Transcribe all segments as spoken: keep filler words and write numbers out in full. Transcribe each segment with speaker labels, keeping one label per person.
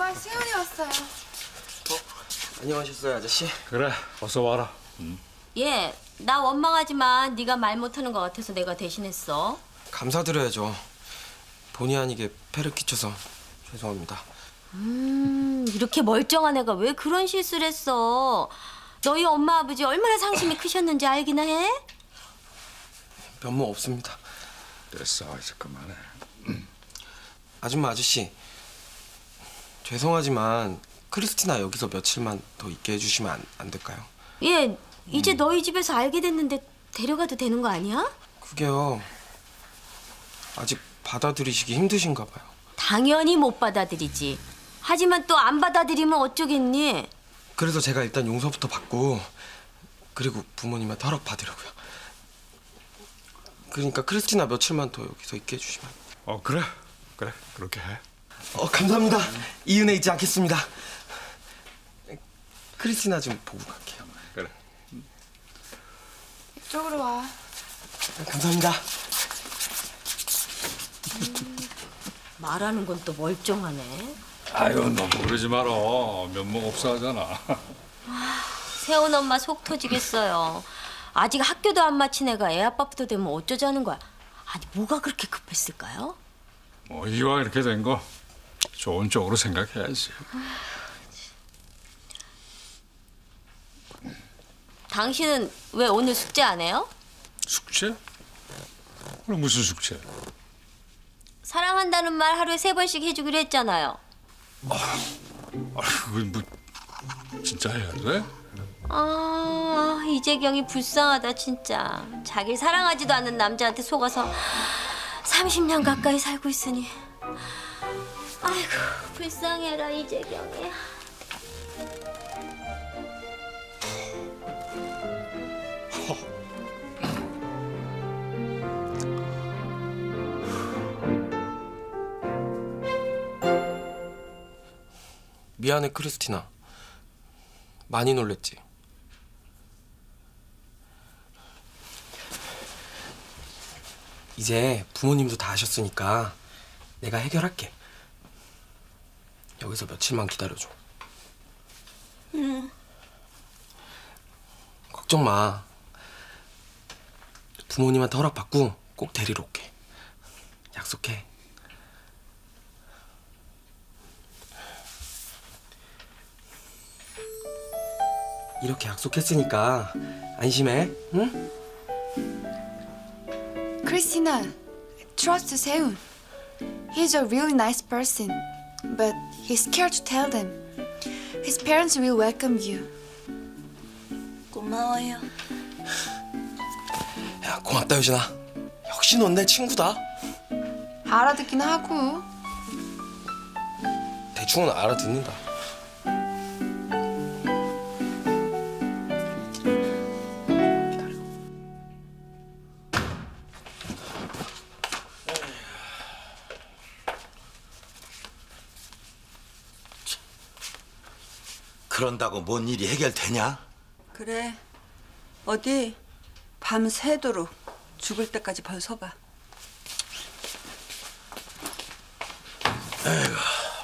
Speaker 1: 엄마, 세훈이 왔어요.
Speaker 2: 어? 안녕하셨어요, 아저씨?
Speaker 3: 그래, 어서 와라. 응.
Speaker 4: 예, 나 원망하지만 네가 말 못하는 것 같아서 내가 대신했어.
Speaker 2: 감사드려야죠. 본의 아니게 폐를 끼쳐서 죄송합니다.
Speaker 4: 음, 이렇게 멀쩡한 애가 왜 그런 실수를 했어? 너희 엄마 아버지 얼마나 상심이 크셨는지 알기나 해?
Speaker 2: 면목 없습니다.
Speaker 3: 됐어, 이제 그만해.
Speaker 2: 아줌마 아저씨, 죄송하지만 크리스티나 여기서 며칠만 더 있게 해주시면 안, 안 될까요?
Speaker 4: 예, 이제 음. 너희 집에서 알게 됐는데 데려가도 되는 거 아니야?
Speaker 2: 그게요, 아직 받아들이시기 힘드신가 봐요.
Speaker 4: 당연히 못 받아들이지. 하지만 또 안 받아들이면 어쩌겠니?
Speaker 2: 그래서 제가 일단 용서부터 받고 그리고 부모님한테 허락 받으려고요. 그러니까 크리스티나 며칠만 더 여기서 있게 해주시면.
Speaker 3: 어, 그래. 그래, 그렇게 해.
Speaker 2: 어, 감사합니다. 이 은혜 잊지 않겠습니다. 크리스티나 좀 보고 갈게요.
Speaker 3: 그래.
Speaker 1: 이쪽으로 와.
Speaker 2: 감사합니다.
Speaker 4: 음, 말하는 건 또 멀쩡하네.
Speaker 3: 아유, 너무 그러지 마라. 면목 없어 하잖아.
Speaker 4: 아, 세훈 엄마 속 터지겠어요. 아직 학교도 안 마친 애가 애 아빠부터 되면 어쩌자는 거야. 아니, 뭐가 그렇게 급했을까요?
Speaker 3: 뭐 이왕 이렇게 된 거 좋은 쪽으로 생각해야지.
Speaker 4: 당신은 왜 오늘 숙제 안 해요?
Speaker 3: 숙제? 오늘 무슨 숙제?
Speaker 4: 사랑한다는 말 하루에 세 번씩 해주기로 했잖아요.
Speaker 3: 아, 아이고, 뭐 진짜 해야 돼?
Speaker 4: 아, 이재경이 불쌍하다 진짜. 자기 사랑하지도 않는 남자한테 속아서 삼십 년 가까이 살고 있으니. 아이고, 불쌍해라 이재경이.
Speaker 2: 미안해, 크리스티나. 많이 놀랬지? 이제 부모님도 다 아셨으니까 내가 해결할게. 여기서 며칠만 기다려줘.
Speaker 4: 응.
Speaker 2: 걱정 마. 부모님한테 허락받고 꼭 데리러 올게. 약속해. 이렇게 약속했으니까 안심해, 응?
Speaker 1: Christina, trust 세훈. He's a really nice person, but he's scared to tell them. His parents will welcome you.
Speaker 4: 고마워요.
Speaker 2: 야, 고맙다, 유진아. 역시 넌 내 친구다.
Speaker 1: 알아듣긴 하고.
Speaker 2: 대충은 알아듣는다.
Speaker 5: 그런다고 뭔 일이 해결되냐?
Speaker 6: 그래. 어디 밤새도록 죽을 때까지 벌서봐.
Speaker 5: 에이구.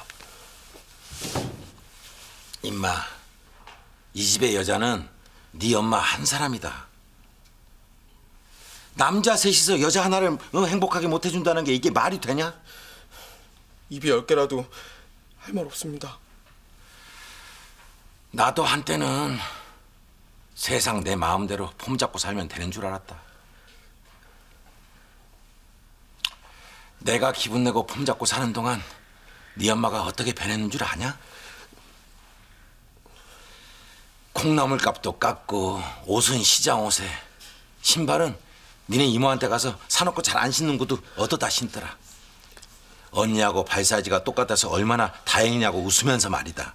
Speaker 5: 임마, 이 집의 여자는 네 엄마 한 사람이다. 남자 셋이서 여자 하나를 어, 행복하게 못 해준다는 게 이게 말이 되냐?
Speaker 2: 입이 열 개라도 할 말 없습니다.
Speaker 5: 나도 한때는 세상 내 마음대로 폼 잡고 살면 되는 줄 알았다. 내가 기분 내고 폼 잡고 사는 동안 네 엄마가 어떻게 변했는 줄 아냐? 콩나물 값도 깎고 옷은 시장 옷에, 신발은 니네 이모한테 가서 사놓고 잘 안 신는 것도 얻어다 신더라. 언니하고 발 사이즈가 똑같아서 얼마나 다행이냐고 웃으면서 말이다.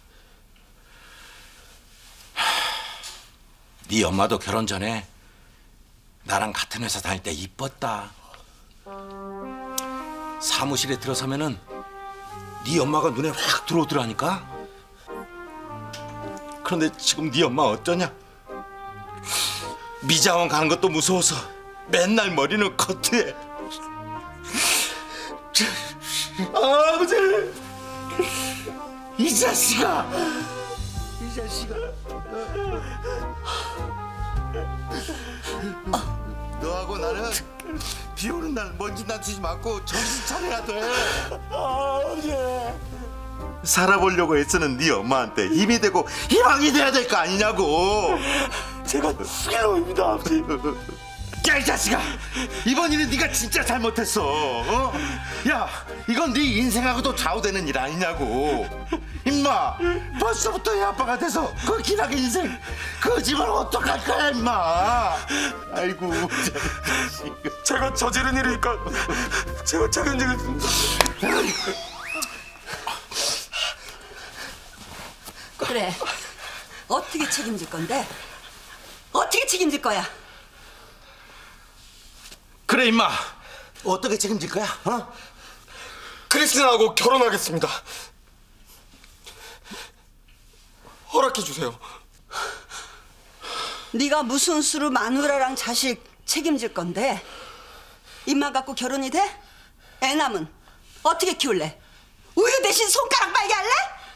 Speaker 5: 네 엄마도 결혼 전에 나랑 같은 회사 다닐 때 이뻤다. 사무실에 들어서면은 네 엄마가 눈에 확 들어오더라니까. 그런데 지금 네 엄마 어쩌냐? 미장원 가는 것도 무서워서 맨날 머리는 커트해. 아버지! 이 자식아! 이 자식아! 너하고 나는 비 오는 날 먼지 난치지 말고 정신 차려야 돼. 아버지. 살아보려고 애쓰는 네 엄마한테 힘이 되고 희망이 돼야 될 거 아니냐고. 제가 수길로입니다, 아버지. 야, 이 자식아! 이번 일은 네가 진짜 잘못했어. 어? 야, 이건 네 인생하고도 좌우되는 일 아니냐고. 임마, 벌써부터 애 아빠가 돼서 그 기나긴 인생 그 집을 어떡할 거야, 임마. 아이고, 자식.
Speaker 2: 제가 저지른 일이니까 제가 책임지겠습니다.
Speaker 6: 그래. 어떻게 책임질 건데? 어떻게 책임질 거야?
Speaker 5: 그래, 임마. 어떻게 책임질 거야? 어?
Speaker 2: 크리스틴하고 결혼하겠습니다. 허락해 주세요.
Speaker 6: 네가 무슨 수로 마누라랑 자식 책임질 건데? 입만 갖고 결혼이 돼? 애 남은 어떻게 키울래? 우유 대신 손가락 빨게 할래?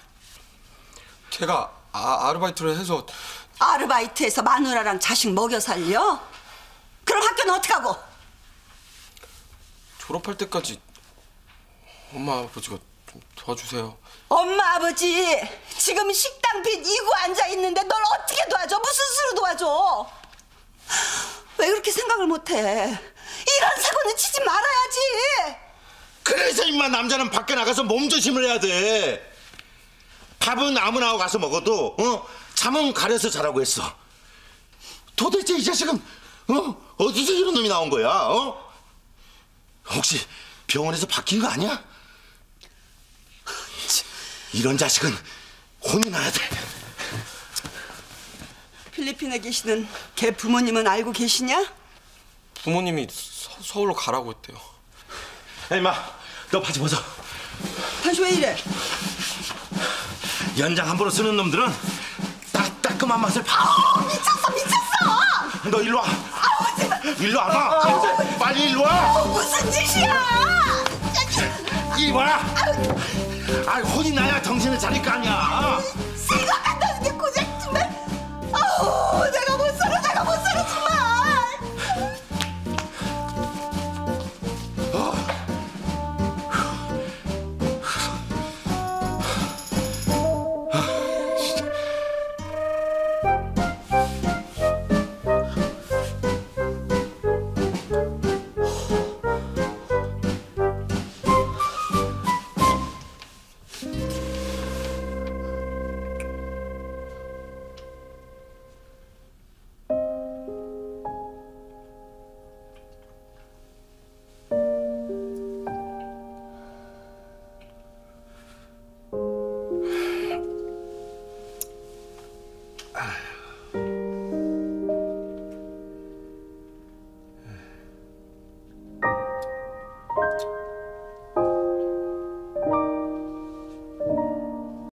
Speaker 2: 제가 아, 아르바이트를 해서
Speaker 6: 아르바이트해서 마누라랑 자식 먹여 살려? 그럼 학교는 어떡하고?
Speaker 2: 졸업할 때까지 엄마 아버지가 좀 도와주세요.
Speaker 6: 엄마 아버지 지금 식당 빚 이고 앉아 있는데 널 어떻게 도와줘? 무슨 수로 도와줘? 왜 그렇게 생각을 못해? 이런 사고는 치지 말아야지.
Speaker 5: 그래서 임마 남자는 밖에 나가서 몸조심을 해야 돼. 밥은 아무나 하고 가서 먹어도 어? 잠은 가려서 자라고 했어. 도대체 이 자식은 어? 어디서 이런 놈이 나온 거야? 어? 혹시 병원에서 바뀐 거 아니야? 이런 자식은 혼이 나야 돼.
Speaker 6: 필리핀에 계시는 걔 부모님은 알고 계시냐?
Speaker 2: 부모님이 서, 서울로 가라고 했대요.
Speaker 5: 야, 임마, 너 바지 벗어.
Speaker 6: 당신 왜 이래?
Speaker 5: 연장 함부로 쓰는 놈들은 딱 따끔한 맛을 봐.
Speaker 6: 미쳤어 미쳤어.
Speaker 5: 너 일로 와.
Speaker 6: 아우 제발.
Speaker 5: 일로 와봐. 빨리 일로 와.
Speaker 6: 아우, 무슨 짓이야?
Speaker 5: 이리 와. 아, 혼이 나야 정신을 차릴 거 아니야.
Speaker 6: 생각한다는 게 고작 정말. 아우 내가 못 살아 내가 못 살아 정말.
Speaker 5: 아.